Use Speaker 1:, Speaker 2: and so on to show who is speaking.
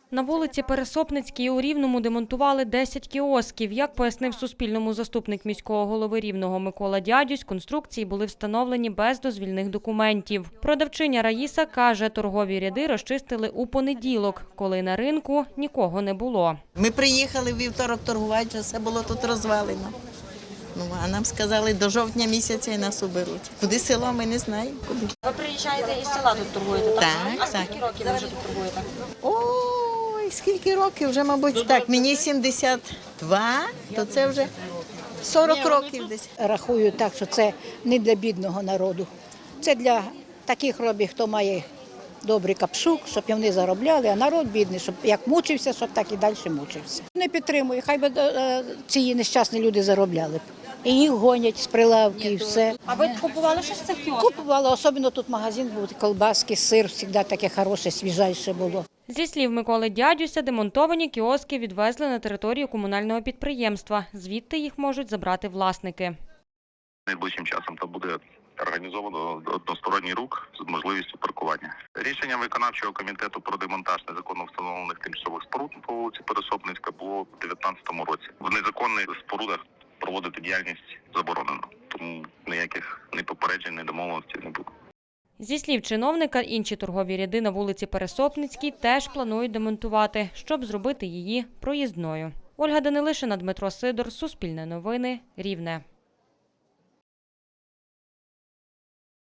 Speaker 1: На вулиці Пересопницькій у Рівному демонтували 10 кіосків. Як пояснив Суспільному заступник міського голови Рівного Микола Дядюсь, конструкції були встановлені без дозвільних документів. Продавчиня Раїса каже, торгові ряди розчистили у понеділок, коли на ринку нікого не було.
Speaker 2: Ми приїхали в вівторок торгувати, вже все було тут розвалено. А нам сказали, до жовтня місяця і нас уберуть. Куди село, ми не знаємо. Куди.
Speaker 1: Ви приїжджаєте із села тут торгуєте, так?
Speaker 2: Так,
Speaker 1: А скільки років ви вже тут торгуєте?
Speaker 2: Ой, скільки років вже, мабуть, так. Мені 72, то це вже 40 років десь.
Speaker 3: Рахую так, що це не для бідного народу. Це для таких робів, хто має добрий капшук, щоб вони заробляли, а народ бідний, щоб як мучився, щоб так і далі мучився. Не підтримую, хай би ці нещасні люди заробляли. І їх гонять з прилавки і все.
Speaker 1: А ви купували щось з цих кіосків?
Speaker 3: Купувала, особливо тут магазин був, колбаски, сир, завжди таке хороше, свіжайше було.
Speaker 1: Зі слів Миколи Дядюся, демонтовані кіоски відвезли на територію комунального підприємства. Звідти їх можуть забрати власники.
Speaker 4: Найближчим часом це буде організовано односторонній рух з можливістю паркування. Рішення виконавчого комітету про демонтаж незаконно встановлених тимчасових споруд по вулиці Пересопницька було в 2019 році. В незаконних спорудах проводити діяльність заборонено, тому ніяких ні попереджень, ні домовленостей не буде.
Speaker 1: Зі слів чиновника, інші торгові ряди на вулиці Пересопницькій теж планують демонтувати, щоб зробити її проїзною. Ольга Данилишина, Дмитро Сидор, Суспільне новини, Рівне.